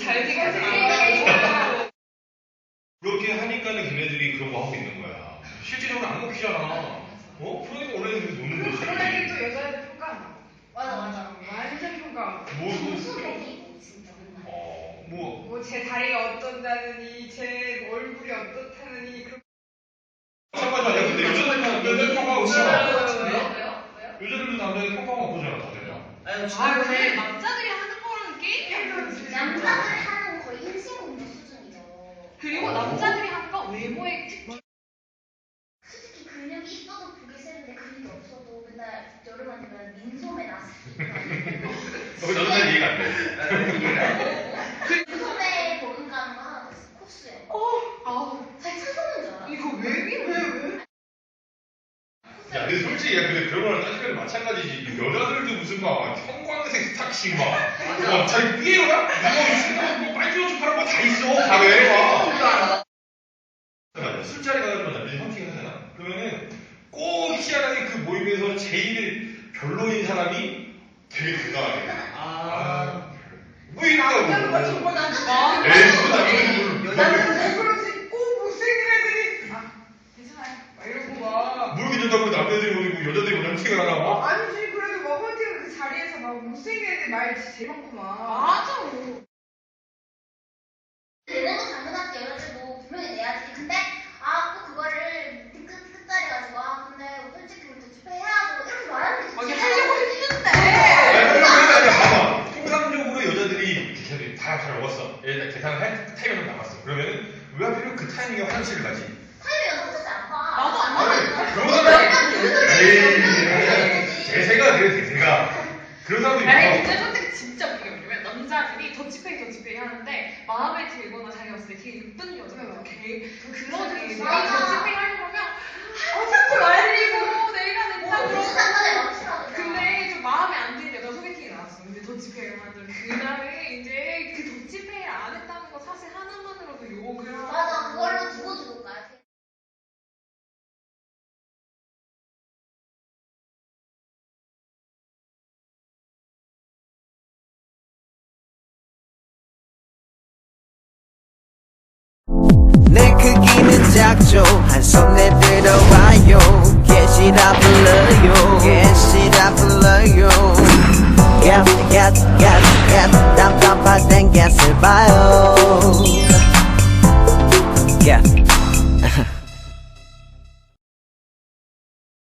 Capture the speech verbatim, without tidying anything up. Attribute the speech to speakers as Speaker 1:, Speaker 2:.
Speaker 1: 잘 되겠지.
Speaker 2: 그렇게 하니까는 걔네들이 그런 거 하고 있는 거야. 실질적으로 안 먹히잖아. 어? 그러니까 원래 이렇게 노는 거지.
Speaker 1: 그런 애들 또 여자애들 평가.
Speaker 3: 맞아 맞아.
Speaker 1: 완전 평가.
Speaker 2: 뭐, 뭐,
Speaker 3: 무수백이고 진짜 맨날.
Speaker 2: 어, 뭐.
Speaker 1: 뭐 제 다리가 어떤다느니, 제 얼굴이 어떻다느니. 그런.
Speaker 2: 마찬가지 아니야. 근데 여자들도 남자들 평가하고 있잖아.
Speaker 3: 왜요? 왜요? 왜요?
Speaker 2: 여자들도 남자들 평가하고 보잖아, 다들.
Speaker 4: 아니,
Speaker 1: 아, 근데
Speaker 5: 남자들이 하는 거랑 게임이야.
Speaker 3: 남자들 하는 거 거의 인신공격 수준이죠.
Speaker 5: 그리고 남자들이 하는 건 외모의 특징.
Speaker 3: 솔직히 근육이 있어도 보기 싫은데 근육이 없어도 맨날 여름만 되면 민소매 났으니까.
Speaker 2: 어, 너는 잘 이해가 안 돼.
Speaker 3: 민소매 보름 가는 거 하나 더 있어. 코스요.
Speaker 5: 아우,
Speaker 3: 잘 찾아오는 줄 알아.
Speaker 1: 이거 왜 이래? 왜?
Speaker 2: 야, 근데 솔직히, 야, 근데 그런 거랑 따지면 마찬가지지. 여자들도 무슨 막, 형광색 스타킹 막, 막, 자기 삐에로야? 뭐, 뭐, 빨리 옷좀 팔아, 뭐다 있어, 가게, 막. 맞아. 술자리 가가지고 남자들이 헌팅을 하잖아? 그러면은, 꼭 희한하게 그 모임에서 제일 별로인 사람이 되게 대단하게.
Speaker 4: 아.
Speaker 2: 뭐 있다고.
Speaker 1: 남자가 정말 난
Speaker 5: 아,
Speaker 2: 에이, 그거 남자들
Speaker 4: 여자들은
Speaker 1: 왜 그러지? 꼭 못생긴 애들이. 아, 괜찮아요. 막 이러고 막.
Speaker 2: 뭘 괜찮다고 남자들이 모이고 여자들이 뭐 헌팅을 하나 봐?
Speaker 1: 아니지, 그래도 막 헌팅 그 자리에서 막 못생긴 애들 말 진짜 제일 많구만.
Speaker 5: 맞아.
Speaker 3: 내는 거 당연하지. 여자들도 분명히 내야지. 근데 아 또 그거를 끝 끝자리 가지고 아 근데 솔직히 우리 도치페 해야 하고 이렇게 말하는 게
Speaker 5: 아, 이게
Speaker 3: 진짜
Speaker 5: 하려고
Speaker 3: 싫어.
Speaker 5: 했는데.
Speaker 2: 아니, 그런 게 아니라 봐봐. 통상적으로 여자들이 걔들이 다 잘 먹었어. 얘들 계산을 할 타이밍을 남았어. 그러면은 왜 하필 그 타이밍에 화장실을 가지?
Speaker 3: 타이밍 여자 혼자서 안 봐.
Speaker 5: 나도 안
Speaker 2: 아니,
Speaker 5: 봐.
Speaker 2: 그런 사람 에이, 대세가 그래, 대세가. 그런 사람들이
Speaker 5: 아니,
Speaker 2: 있어.
Speaker 5: 근데 솔직히 진짜 웃긴 게 뭐냐면 남자들이 더치페이 더치페이 하는데 마음에 들거나 자기가 봤을 때 되게 예쁜 여자가 개 그런 애들이
Speaker 3: 맞아.
Speaker 5: 더치페이 하려고 하면 아 자꾸 말리고 내가 냈다
Speaker 3: 뭐
Speaker 5: 그러고
Speaker 3: 무슨 상관에 멈추라고.
Speaker 5: 근데 좀 마음에 안 드는 여자 소개팅이 나왔어. 근데 더치페이를 하는 그날에 이제 그 더치페이를 안 했다는 거 사실 하나만으로도 욕을 하고
Speaker 3: 맞아 그걸로 두고 두고 가야 돼.
Speaker 6: 내 크기는 작죠 한 손 내들어와요 개시라 불러요 개시라 불러요 갓갓갓갓 답답할 땐 갓을 봐요 갓